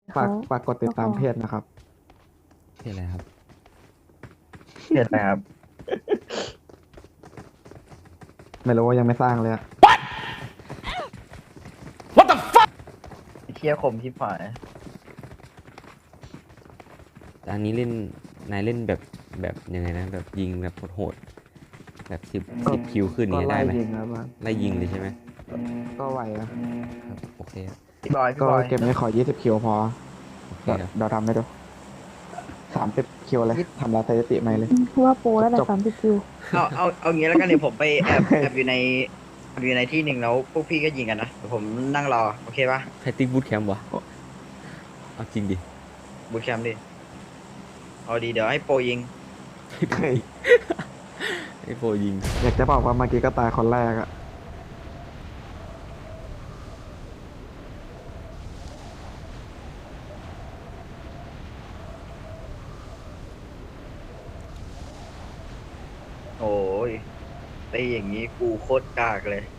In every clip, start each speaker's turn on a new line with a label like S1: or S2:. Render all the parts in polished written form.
S1: ฝา
S2: เขา
S1: กฝากกดติดตามเพจนะครับ
S3: เพจอะไรครับ
S4: เห็นไหมครับ
S1: ไม่รู้ว่ายังไม่สร้างเลยอะ
S4: เที่ยคมชิบหาย
S3: แต่อันนี้เล่นนายเล่นแบบยังไงนะแบบยิงแบบโหดๆแบบสิบคิวขึ้น
S1: ก็
S3: นี้ได้
S1: ไล่
S3: ไหม
S1: ยิงครับมัน
S3: ไล่ยิงเลยใช่ไหม
S1: ก็ไหวอะ
S3: ครับโอเคครับ
S4: พี่บอยพี่
S1: ก็
S4: บอย
S1: เก็บนี้ขอ20คิวพอ
S3: โอเค
S1: เดี๋ยว
S3: ครับ
S1: เดี๋ยวทำให้ดู30คิวเลยทำลายสถิติใหม่เลย
S2: ว่าโปรแล้วแต่
S1: จบ
S2: 30 คิว
S4: เอางี้แล้วกันเดี๋ยวผมไปแอบอยู่ในที่หนึ่งแล้วพวกพี่ก็ยิงกันนะเดี๋ยวผมนั่งรอโอเคปะ
S3: แพตติ้งบูทแคมป์วะเอาจริงดิ
S4: บูทแคมป์ดิเอาดีเดี๋ยวให้โปรยิง
S3: ไอ้โฟยิง
S1: อยากจะบอกว่าเมื่อกี้ก็ตายคนแรกอะ
S4: โอ้ยไอ้อย่างงี้กูโคตรกากเลย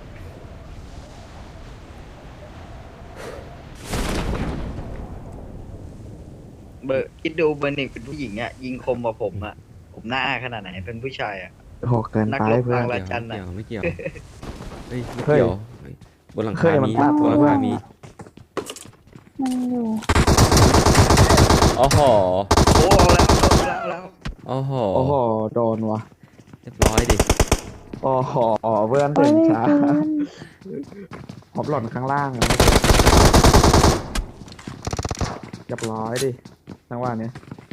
S4: เบอร์คิดดูเบอร์หนึ่งเป็นผู้หญิงอ่ะยิงคมกว่าผมอ่ะผมหน้าขนาดไหนเป็นผู้ชายอ่ะ
S1: โหเกิน
S4: นัก
S1: ไป
S4: รบ
S1: เพื่อน
S4: ทาง
S3: ไม่เกี่ยวไม่เกี่ยวเฮ้ยไม่
S1: เฮ้ย
S3: เกี่ยวเฮ้ยบนหลัง
S1: เฮ้
S3: คาย
S1: มัน
S3: มี
S1: พลาด
S3: บนหลังคามี
S2: มันอยู่
S3: โอ้โห
S4: โอ้เอาแล้ว
S3: โอ้โห
S1: โอ้โหโดนวะ
S3: เรียบร้อยดิ
S1: โอ้โหเพื่อน
S2: โอ้
S1: ถึ
S2: ย
S1: ง
S2: ไม่
S1: ช้า
S2: เกิน
S1: ผมหล่นข้างล่างอะเรียบร้อยดิจังหวะนี้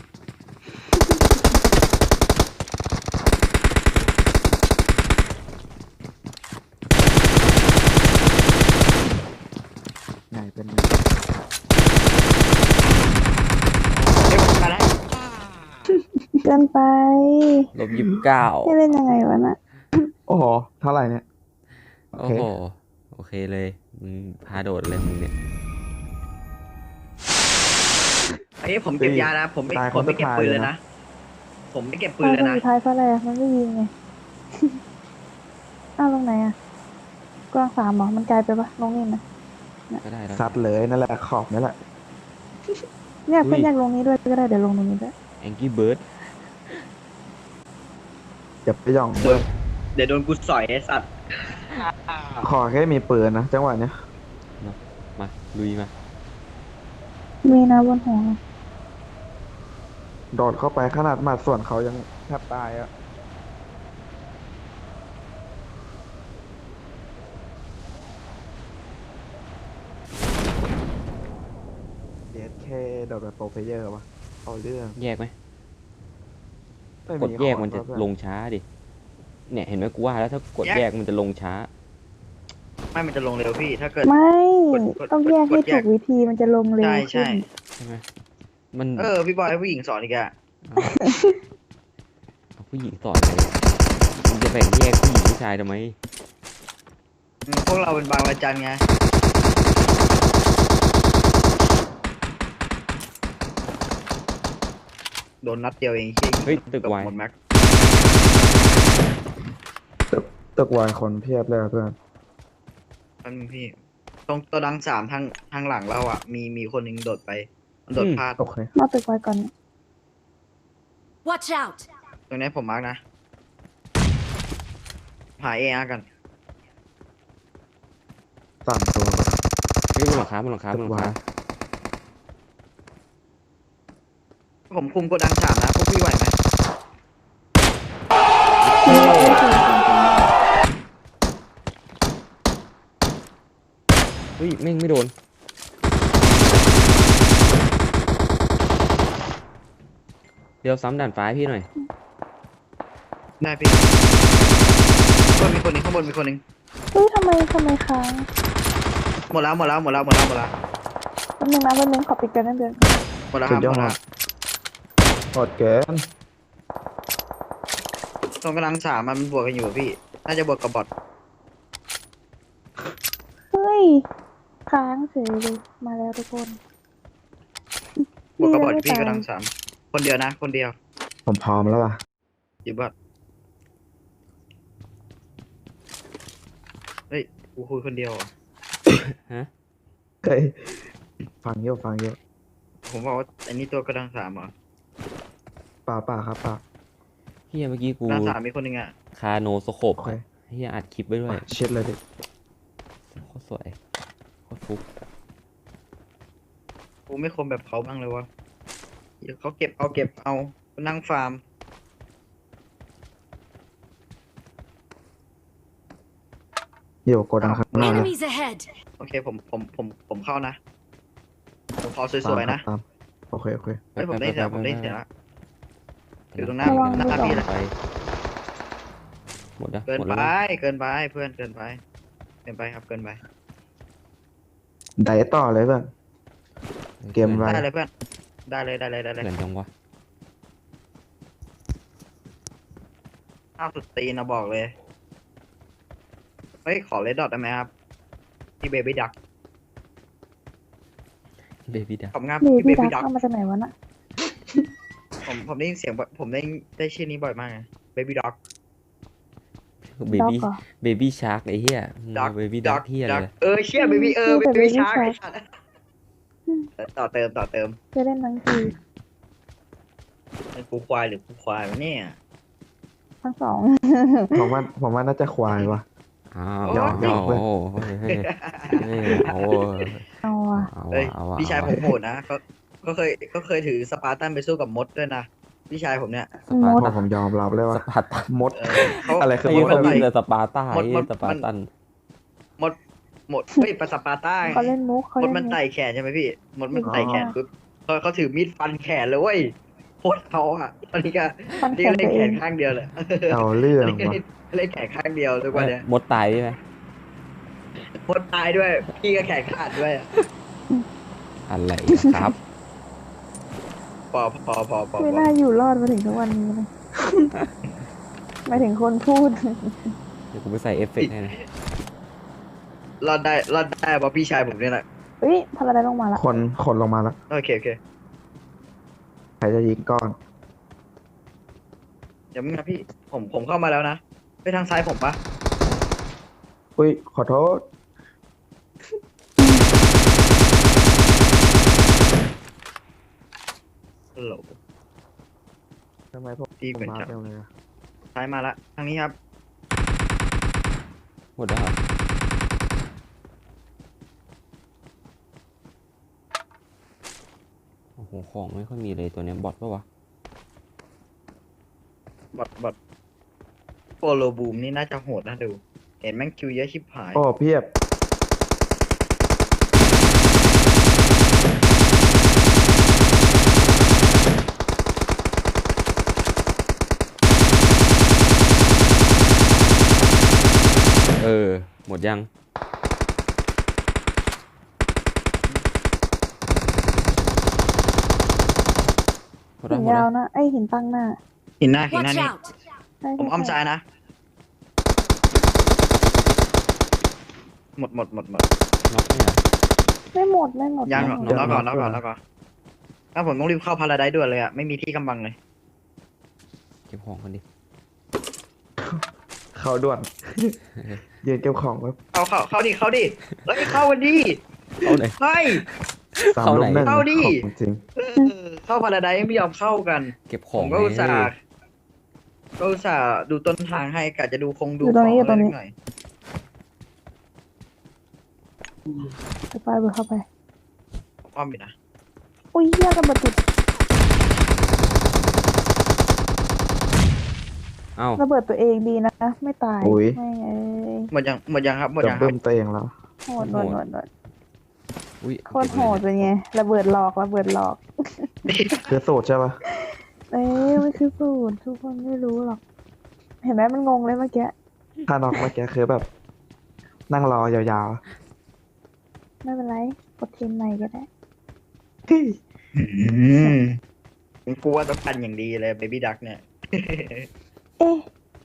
S1: ไงเป็นไง
S4: เฮ้ยมันมาแล้ว
S2: เกินไป
S3: -29
S2: จะเล่นยังไงวะน่ะ
S1: โอ้โหเท่าไหร่เนี่ยโอ
S3: โอ้
S1: เค
S3: โหโอเคเลยมึงพาโดดเลยมึงเนี่ย
S4: ไอ้ยผมเก็บยานะผมไม่
S1: ตายคน
S4: ผมไม่เก็บ
S1: สุดท้าย
S4: ปืน
S1: เล
S4: เลย ย
S1: นะ
S4: นะผมไม่เก็บปื
S2: ตาน ย
S4: เลย
S2: คน
S4: นะ
S2: สุดท้ายเพราะอะไรอะมันไม่ยิงไง อ้าวลงไหนอะกลาง3เหรอมันไกลไปปะลงนี่ไหม
S3: ก็ได้แล้ว
S1: ซัดเลยนั่นแหละขอบนี่แหละ
S2: เนี่ยเพื่อนอยากลงนี้ด้วยก็ได้เดี๋ยวลงตรงนี้ด้วย
S3: แองกี้เบิร์ด
S1: อย่าไปหย่อง
S4: เดี๋ยวโดนกูสอยไอ้สัตว์
S1: ขอแค่มีปืนนะจังหวะเนี้ย
S3: มาลุยมา
S2: มีนะบนหัว
S1: โดดเข้าไปขนาดหมัดส่วนเขายังแทบตายอะเดดเคโดดแบบโปรเพลเยอร์วะเอาเรื่อง
S3: แยกไหม
S1: ไม่
S3: กดแยกมันจะ
S1: ขอโทษ
S3: ลงช้าดิเนี่ยเห็นไหมกูว่าแล้วถ้ากดแยกมันจะลงช้า
S4: ไม่มันจะลงเร็วพี่ ถ้าเกิด
S2: ไม่
S4: กด
S2: ต้องแยกให้
S4: กดแย
S2: ถู
S4: ก
S2: กวิธีมันจะลงเร็ว
S4: ใช่
S2: ขึ้
S4: ใช่
S2: น
S3: ใช่ไหมมัน
S4: พี่บอยให้ผู้หญิงสอนอีกอะ
S3: เอาผู้หญิงสอนเลยมึงจะแบ่งแยกผู้หญิงผู้ชายทำไม
S4: พวกเราเป็นบางระจันไงโดนนัดเดียวเองเชี่ย
S3: เฮ้ยตึก
S4: เกือบ
S3: วาย
S4: หมดแม็ก
S1: ตึกวายคนเพียบเลยอะเพื่อน
S4: แป๊บนึงพี่ตรงตัวดัง3ทางหลังเราอ่ะ มีคนหนึ่งโดดไปมันโดดพลาด
S1: โอเค
S2: มาตึกไว้ก่อน
S5: Watch out!
S4: ตรงนี้ผมมาร์กนะหาเออากัน
S1: 3 ตัว
S3: เฮ้ยบนหลังคาบนหลังคาบ
S1: ตึ
S3: นห
S1: ก
S3: ลัง
S1: วา
S3: คาย
S4: ผมคุมโกดัง3นะพวกพี่ไหวไหม
S3: เฮ้ยแม่งไม่โดนเดี๋ยวซ้ำด่านฟ้าให้พี่หน่อย
S4: ได้พี่มีคนหนึงข้างบนมีคนหนึง
S2: เฮ้ยทำไมค้าง
S4: หมดแล้ว
S2: แป๊บนึงนะขอปิดกันนั่นเดือน
S4: หมดแล้วค
S1: สุ
S4: รั
S1: ด
S4: บ
S1: ยอ
S4: หม
S1: ด
S4: ดแล้ว
S1: หมดเกิน
S4: ตรงกำลัง3มันบวกกันอยู่อะพี่ น่าจะบวกกับบอท
S2: เฮ้ยค้างเฉยเลยมาแล้วทุกคน
S4: บวกกับบอท
S2: ดี
S4: พี่
S2: นะไม่ตาย
S4: กำลัง3คนเดียวนะ คนเดียว
S1: ผมพร้อมแล้วว่ะ
S4: อยู่บอทเฮ้ยกูคุยคนเดียวอ่ะ
S3: ฮะ
S1: เฮ้ยฟังเยอะ
S4: ผมบอกว่าอันนี้ตัวกระดังสามเหรอ
S1: ป่าครับป่า
S3: เฮียเมื่อกี้กู
S4: กระดังสามมีคนหนึ่งอ่ะ
S3: คาโนสโคป
S1: โอเค
S3: เฮียอัดคลิปไว้ด้วย
S1: เช็ดเลยดิ
S3: โคตรสวยโคตรฟุก
S4: กูไม่คมแบบเขาบ้างเลยวะเดี๋ยวเขาเก็บเอานั่งฟาร์ม
S1: เดี๋ยวโกดังข้างหน้าเลย
S5: Enemies ahead!
S4: โอเคผมเข้านะ ผมขอสวยๆนะ
S1: ตามโอเคโอเค
S4: เฮ้ยผมได้เสียงผมได้เสียงละ อยู่ตรงหน้า
S2: ระวัง
S4: หน้าพี่เลย
S3: ไปหมดแล้ว
S4: เกิน
S3: หมด
S4: ไป
S3: แล้วนะ
S4: เกินไปเพื่อนเกินไปครับเกินไป
S1: ไดต่อเลยเพื่อน เกม
S4: ได้เลยเพื่อนได้เลย
S3: เกินจังวะ
S4: ข้าวสุดตีนนะบอกเลยเฮ้ยขอเลดดอทได้ไหมครับที่เบบี้ดัก
S3: เบบี้ดา
S4: ผมงับ
S2: เบ
S4: ที่เบ
S2: บี้ดั
S4: บี้
S2: ก
S4: ดัก
S2: เข้ามาจากไหนวะน่ะ
S4: ผมได้ยินเสียงแบบผมได้ชื่อนี้บ่อยมากเบบี้ด็อก
S3: เบ
S2: ด็อก
S3: บี้
S2: เหรอ
S3: เบบี้ชาร์กไอ้เหี้ย
S4: ด็อก
S3: เบบี้ดักเหี้ยเลย
S4: เชี่ยเบบี้
S2: ชื่อ
S4: เบ
S2: Baby
S4: บี้ชาร์
S2: Shark
S4: ต่อเติม
S2: จะเล่นทั้งที
S4: เป็นกูควายหรือกูควายวะเนี่ย
S2: ทั้งสอง
S1: ผมว่าน่าจะควายวะ
S3: อ้าว
S1: หยอกหยอกเว้ย
S3: โอ้โหเฮ้ยเอา
S2: เอาอ่ะ
S3: เอา
S4: เฮ้ย
S3: เอา
S4: พี่ชายผมโหดนะก็เคยถือสปาร์ตันไปสู้กับมดด้วยนะพี่ชายผมเนี่ย
S3: สปาร์
S2: มด
S3: ตัน
S1: ผมยอมรับเลย
S3: ส
S1: ว่า
S3: ปาร์ตัน
S1: มด
S4: เขา
S1: อะไรคือ
S3: ไอ้
S1: มด
S3: เขา
S4: มัน
S3: วิ่ง
S4: ไต่
S3: แต่สปาร์ต้าไอ้เหี้ยสปาร์ตัน
S4: มดเฮ้ยปลาสปาร์ต้า
S2: เขาเล่นมุกเขา
S4: มด
S2: เล่น
S4: มัน
S2: มุก
S4: ไต่แขนใช่ไหมพี่มดมันไต่แขนปุ๊บเขาถือมีดฟันแขนเลยเว้ยโคตรเขาอ่ะตอนนี้ก็
S2: ฟันแข
S4: นี่
S2: น
S4: ก็เล่
S2: ตั
S4: น
S2: ว
S4: แข
S2: เอง
S4: นข้างเดียวเลย
S1: เอาเรื่อง
S4: เล่น
S1: วะ
S4: เล่นแขนข้างเดียวทุกวันเนี่ย
S3: มดตายใช่ไหม
S4: มดตายด้วย พี่ก็แขนขาดด้วยอะ
S3: อะไรครับ
S4: พอ
S2: ไม่น่าอยู่รอดมาถึงทุกวันนี้เลยหมายถึงคนพูด
S3: เดี๋ยวกูไปใส่เอฟเฟกต์ให้นะ
S4: รอดได้เพราะพี่ชายผมเนี่ยแหละ
S2: เฮ้ยพาราไดลงมาละ
S1: คนลงมาแล้ว
S4: โอเค
S1: ใครจะยิงก่อน
S4: เดี๋ยวมึงนะพี่ผมเข้ามาแล้วนะไปทางซ้ายผมปะ
S1: อุ้ยขอโทษ
S4: ฮัลโหล
S1: ทำไมผม
S4: ตีเหมือน
S1: มา
S4: จับ
S1: เร็วเลยอะ
S4: ซ้ายมาละทางนี้ครับ
S3: หมดแล้วเหรอโอ้โหของไม่ค่อยมีเลยตัวเนี้ยบอทปะวะ
S4: บอดโปโลบูมนี่น่าจะโหดนะดู เห็นแม่งคิวเยอะชิบหาย
S1: โอ้เพียบ
S3: หมดยังหมด
S2: หิ
S3: แล้ว
S2: น
S3: หมด
S2: ยา
S3: แล้ว ว
S2: นะไอยหินตั้งหน้า
S4: หินหน้า
S5: Watch
S4: นี่
S5: out!
S2: ใช่
S4: ผมอ้อม
S2: ใช่
S4: ซ้ายนะ หมด
S3: น็อกเนี่ย
S2: ไม่หมดไม่หมด
S4: ยัง
S2: ไม่หมด
S4: แล้วก่อนถ้าผมต้องรีบเข้าพาราไดซ์ด่วนเลยอ่ะ ไม่มีที่กำบังเลย
S3: เก็บของกันดิ
S1: เข้าด่วน ยืนเก็บของไว้
S4: เข้าดิเฮ้ยเข้ากันดิ
S3: เอาไหน
S4: เฮ้ย
S1: สาม
S3: เข้า
S1: ลู
S3: ไหน
S1: กหนึ่ง
S4: เข้าดิ
S1: ของจริง
S4: เข้าพาราไดซ์ไม่ยอมเข้ากัน
S3: เก็บข
S4: ผ
S3: อง
S4: มก็อุตส่า
S3: ไง
S4: ห์ดูต้นทางให้กะจะดู
S2: อยู่ตรงนี้อยู่ตรงนี้
S4: หน่อย
S2: ไปเบอร์เข้าไป
S4: อ้อมอยู่นะ
S2: อุ้ยเหี้ยกระเบิดติด
S3: เอ้า
S2: ระเบิดตัวเองดีนะไม่ตาย
S1: อุ๊ย
S2: ไม่เอ้ย
S4: หมดยังครับ
S1: จะเบิ่มตัวเองแล้ว
S2: โหดโหดโหดโหด
S3: อุ้ย
S2: โคตรโหดเป็นไงระเบิดหลอก
S1: คือสูตรใช่ปะ
S2: เอ้ยมันคือสูตรทุกคนไม่รู้หรอก เห็นไหมมันงงเลยเมื่อกี้
S1: ถ้านอกเมื่อกี้คือแบบ นั่งรอยาว
S2: ไม่เป็นไรกดเทมใหม่ก็ได้
S4: ผมกลัวต้องกันอย่างดีเลยเบบี้ดักเนี่ย
S2: เอ๊ะ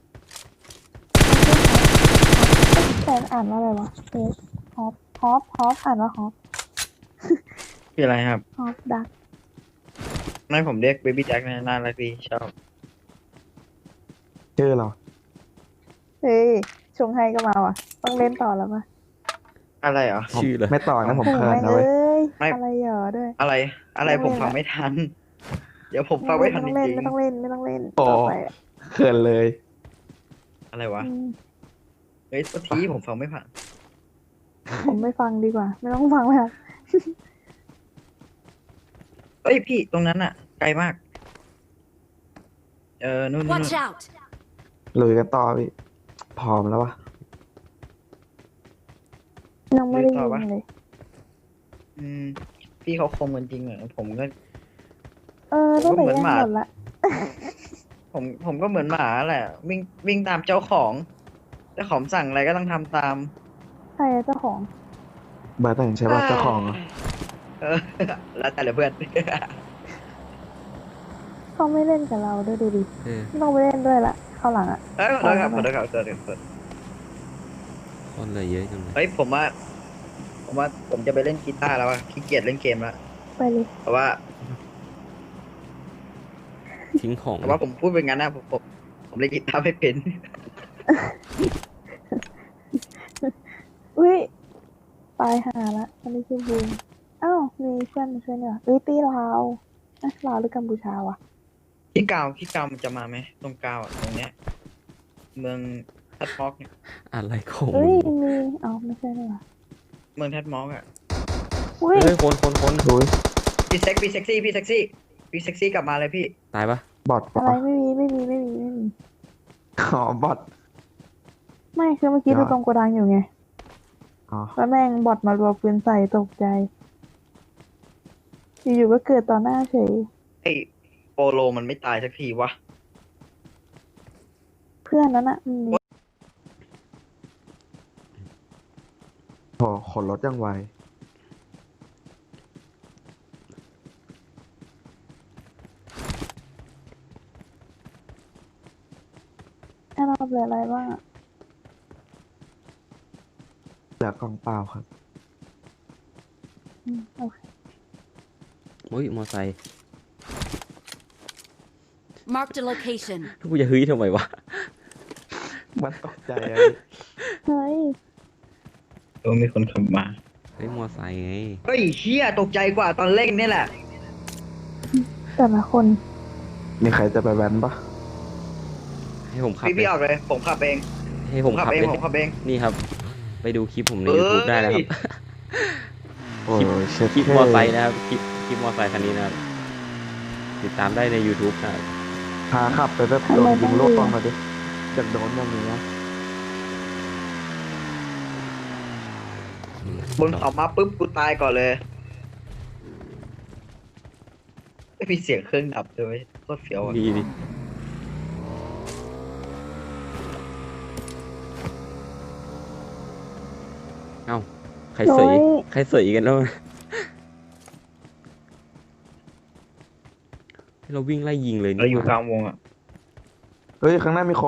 S2: แต่อ่านว่าอะไรวะเอ๊ะฮอปอ่านว่าฮอป
S4: คืออะไรครับ
S2: ฮอปดัก
S4: ไม่ผมเรียกเบบี้ดักน่ารักดีชอบ
S1: ๆชื่อเรา
S2: เฮ้ยชงไฮก็มาว่ะต้องเล่นต่อแล้วปะ
S4: อะไรเหรอ
S3: ชื่อเลย
S1: ไม่ต่อนะผม
S2: โอ้
S1: เคิน
S2: แม่ง
S1: นะเว้ย
S2: เอ้ย
S4: ไม่
S2: อะไรเหรอด้วย
S4: อะไร อะไร
S2: ไม่
S4: ผม
S2: เล่น
S4: ฟัง
S2: ละ
S4: ไม่ทัน เดี๋ยวผมฟังไม่ทันจ
S2: ไม่ต้องเล่น
S4: ริง
S2: ไม่ต้องเล่นไม่ต้องเล่น
S1: โอ้
S2: ต่อไปอะ
S1: เขินเลย
S4: ๆอะไรวะ
S2: อืม
S4: เฮ้ยทีผมฟังไม่ผ่าน
S2: ผมไม่ฟังดีกว่า ไม่ต้องฟังแล้ว
S4: เฮ้ยพี่ตรงนั้นอะไกลมาก นู่น
S5: Watch out!
S1: ลุยกันต่อพี่พร้อมแล้ววะ
S2: ยังไม่ได้ยิงเลย
S4: อืม พี่เขาคมกันจริงเหรอผมก็
S2: ตั้งแต่
S4: ผมก็เหมือน
S2: แย่ง
S4: หมา
S2: หมดละ
S4: ผมก็เหมือนหมาแหละ วิ่งตามเจ้าของเจ้าของสั่งอะไรก็ต้องทำตาม
S2: ใครอะเจ้าของ
S1: เบอร์แต่งใช่ป่ะเจ้าของอะ
S4: เออ แล้วแต่ละเพื่อน
S2: เขาไม่เล่นกับเราด้วยดูดิ
S3: เออ
S2: ไม่ต้องไปเล่นด้วยละเข้าหลังอะ
S4: เอ้ยขอโทษครับขอโทษครับขอโทษครับ
S3: คนเลยเยอะจังเลย
S4: เฮ้ยผมว่าผมจะไปเล่นกีตาร์แล้วอะขี้เกียจเล่นเกมแล้ว
S2: ไปเลย
S4: เพราะว่า
S3: ทิ้งของ
S4: แต่ว่าผมพูดเป็นงั้นนะผมเล่นกีตาร์ไม่เป็น
S2: อุ้ยตายหาละอันนี้คือบูมอ้าวมีเพื่อนมาช่วยเนี่ยตีลาวลาวหรือกัมพูชาวะ
S4: ที่เกามันจะมาไหมตรงเกาอะตรงเนี้ย เมืองแทดมอกเนี่ย
S3: อะไรของ
S2: เอ้
S3: มึ
S2: ย
S3: ง
S2: มีไม่ใช่เนี่ยวะ
S4: เมืองแทดมอกอะ
S2: อุ้ย
S3: เฮ้ยคน
S1: ลุย
S4: พี่เซ็กซี่กลับมาเลยพี่
S3: ตายปะ
S1: บอท
S2: อะไร
S1: ปะ
S2: ไม่มี
S1: อ๋อบอท
S2: ไม่คือเมื่อกี้
S1: ยอด
S2: ดูตรงโกดังอยู่ไง
S1: อ๋อ
S2: แล้วแม่งบอทมารัวปืนใส่ตกใจ อยู่ๆก็เกิดต่อหน้าเฉย
S4: ไอ้โปโลมันไม่ตายสักทีวะ
S2: เพื่อนนั้นอะ
S1: โหขนรถยังไว
S2: ให้เราเหลืออะไรบ้างอะ
S1: เหลือกล่องเปล่าครับ
S2: โอเค
S3: โอ้ยมอไซค์
S5: Marked a location.
S3: กูจะเฮ้ยทำไมวะ
S1: มันตกใจอะ
S2: เฮ้ย
S4: มีคนขับมา
S3: เฮ้ยมอไซค์ไง
S4: เฮ้ยเฮียตกใจกว่าตอนเล่นนี่แหละ
S2: แต่ละคน
S1: มีใครจะไปแว้นปะ
S3: ให้ผมขับ
S4: พี่
S3: เลย
S4: ออกเลย ผมขับเอง
S3: ให้ผมขับ
S4: เอง
S3: เลย
S4: ผมขับเอง
S3: นี่ครับ ไปดูคลิปผมใน
S4: เอ้ย
S3: YouTube ได้นะครับ
S1: โอ้ยเช็ด
S3: คลิป
S1: เท่
S3: มอไซค์นะครับ คลิปมอไซค์คันนี้นะครับ ติดตามได้ใน YouTube นะครับ
S1: พาขับไปแบบโดนยิงโลกมาดิจากโดนอย่างนี้นะ
S4: บนเขามาปุ๊บกูตายก่อนเลยไม่มีเสียงเครื่องดับด้วยโคตรเฟี้ยวอ่ะ
S3: ดีดิเอ้า ใครเสย
S2: โอ้ย
S3: ใครเสยกันแล้ว ให้เราวิ่งไล่ยิงเลย
S4: เราอยู่
S3: นี่ห
S4: ก
S3: ว่า
S4: ลางวงอ่ะ
S1: เฮ้ย ข้างหน้ามีคน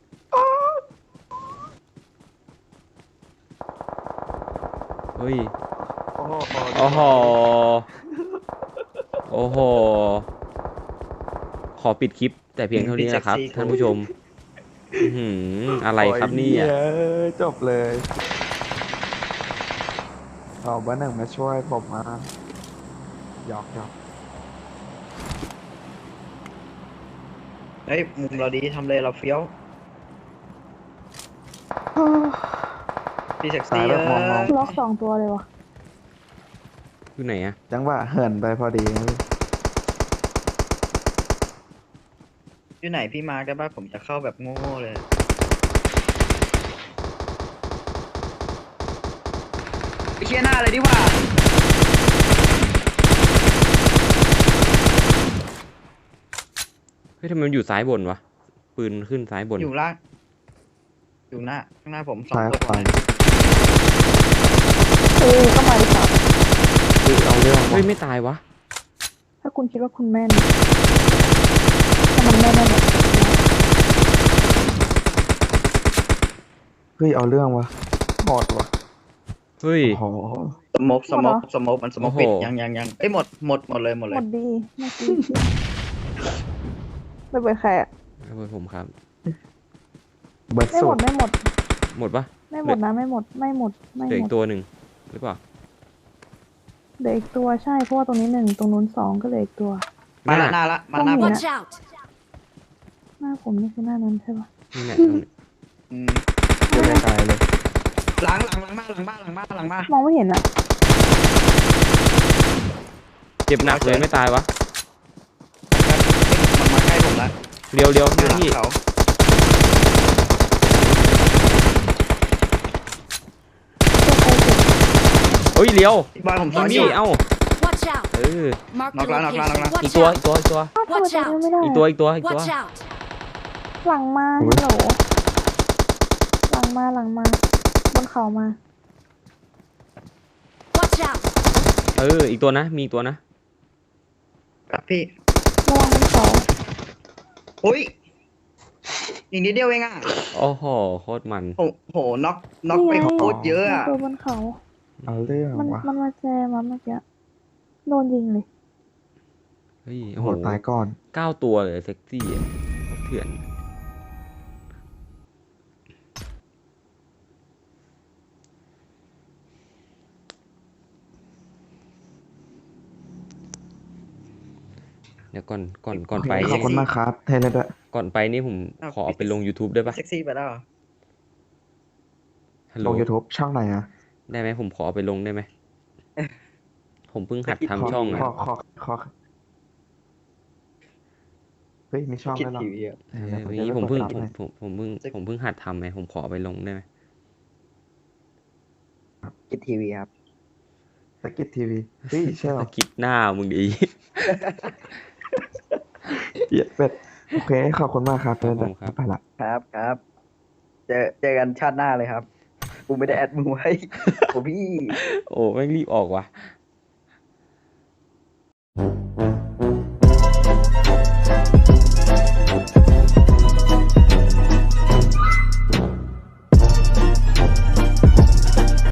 S3: เฮ้ย
S1: โอ้โห
S3: โอ้โห โอ้โห ขอปิดคลิป แต่เพียงเท่านี้นะครับ ท่านผู้ชม อื้อหืออะไรครับเนี่
S1: โอ้
S3: ย
S1: เหี้จบเลยเอาบ้านหนึ่งมาช่วยผมมาหยอก
S4: เฮ้ยมุมเราดีทำเลยเราเฟี้ยวพี่เซ็ก
S1: สา
S4: ซี่
S1: ยแบบมอง
S2: ล็อก2 ตัวเลยวะ
S3: อยู่ไหนอะ
S1: จังหวะเหินไปพอดีนะพี่
S4: อยู่ไหนพี่มาร์คได้ป่ะผมจะเข้าแบบโง่ๆเลยไปเชียร์หน้าเลยดีกว่า
S3: เฮ้ยทำไมมันอยู่ซ้ายบนวะ ปืนขึ้นซ้ายบน
S4: อยู่ล่างอยู่หน้าข้างหน้าผมสอง
S1: ซ้าย
S4: ตัว
S1: ไป
S2: ก็มาดิครับ
S1: คือเอาเรื่อง
S3: เฮ้
S1: ว่ะ
S3: ย ไม่ตายวะ
S2: ถ้าคุณคิดว่าคุณแม่นถ้ามันแม่นแน่นอน
S1: เฮ้ยเอาเรื่องวะหมดวะ
S3: เฮ้ย
S1: โอ้โห
S4: สโมกมันสโมก
S3: โอ้โห
S4: ปิดยังเอ้ยหมดเลย
S2: หมดดีเมื่อกี้ไม่เปิดใครอะ
S3: เอาไปผมครับ
S1: เบิร์ด
S2: ไม่
S1: สุ
S2: หม
S1: ด
S2: ดไม่หมด
S3: หมดปะ
S2: ไม่หมดนะไม่หมด
S3: เหลืออีกตัวหนึ่งหรือเปล่า
S2: เหลืออีกตัวใช่เพราะว่าตรงนี้หนึ่งตรงนู้นสองก็เหลืออีกตัว
S4: มาละหน้าละมาหน้า
S2: ต้
S4: ผ
S2: อง
S4: ม
S2: มี
S5: Watch out!
S2: หน้าผมนี่คือหน้านั้นใช่ปะ
S3: นี่แหละตรงนี้
S4: อืม
S1: ยังไม่ตายเลย
S4: หลังมาหลังมาหลังมาหลังมา
S2: มองไม่เห็นอะ
S3: เจ็บหนักเลยไม่ตายวะ
S4: มันมาใกล้ผมละ
S3: เรียว
S4: อยู่
S3: หน้า
S4: หลัง
S3: พี่
S4: เขา
S3: เฮ้ยเรียว
S4: พี่บอยผม
S3: พี่
S4: ซ้อนอ
S3: มี่
S4: ยู่
S3: เอ้า
S5: Watch out!
S3: เออ
S5: Marked a
S4: Knock down, knock down, knock
S5: location.
S4: down.
S3: อีก
S5: Watch
S3: ตัว
S5: out!
S3: อีกตัว
S2: อ้าวทำไม
S5: Watch
S2: ตรง
S5: out
S2: นี้ไม่ได้
S3: อีกตัวอีกตัว
S5: Watch out!
S2: หลังมา
S1: อุ๊
S2: ฮั
S1: ย
S2: ลโหลหลังมาบนเขามา
S5: Watch out!
S3: เอออีกตัวนะมีอีกตัวนะ
S4: ครับพี่
S2: ระวังบนเขา
S4: อุ้ยอีกนิดเดียวเองอ่ะ
S3: โอ้โหโคตรมัน
S4: โหน็อกไป
S2: นี่ไง
S4: โคตรเยอะอ่ะ
S2: ตัวบนเขา
S1: เอาเรื่อง
S2: มัน
S1: วะ
S2: มันมาแจมาเมื่อกี้โดนยิงเลย
S3: เฮ้ย
S1: โอ้
S3: โอ้
S1: โห
S3: โห
S1: ตายก่อน
S3: 9 ตัวเลยเซ็กซี่อะเถื่อนเดี๋ยวก่อนไป
S1: ขอบคุณมากครับเทเลด้วย
S3: ก่อนไปนี่ผมขอเอาไปลง YouTube ได้ปะ
S4: เซ็กซี่ไปแล้วเหรอ
S3: ฮัลโหล
S1: ลง YouTube ช่องไหนอะ
S3: ได้ไหมผมขอเอาไปลงได้ไหม ผมเพิ่งหัดทำช่องอะ
S1: ขอเฮ้ยมีช่อง
S4: คิด
S1: แล้วเหรอ
S4: ทีวีอะ
S3: เออ
S1: เดี๋ยว
S3: วันนี้
S1: จะ
S3: ผมเพิ่ง
S1: กดซับให้
S3: ผมเพิ่งหัดทำไงผมขอเอาไปลงได้ไหม
S4: คิดทีวีครับ
S1: สกิททีวีเฮ้ยใช่เหรอ
S3: คิดหน้ามึงดี
S1: เหี้ยเป็ดโอเคขอบคุณมากครับเทเลด้วย
S3: ครับ
S1: ไปละ
S4: ครับเจอกันชาติหน้าเลยครับ กูไม่ได้แอดมึงไว้ โอ้พี่
S3: โอ้แม่งรีบออกว่ะ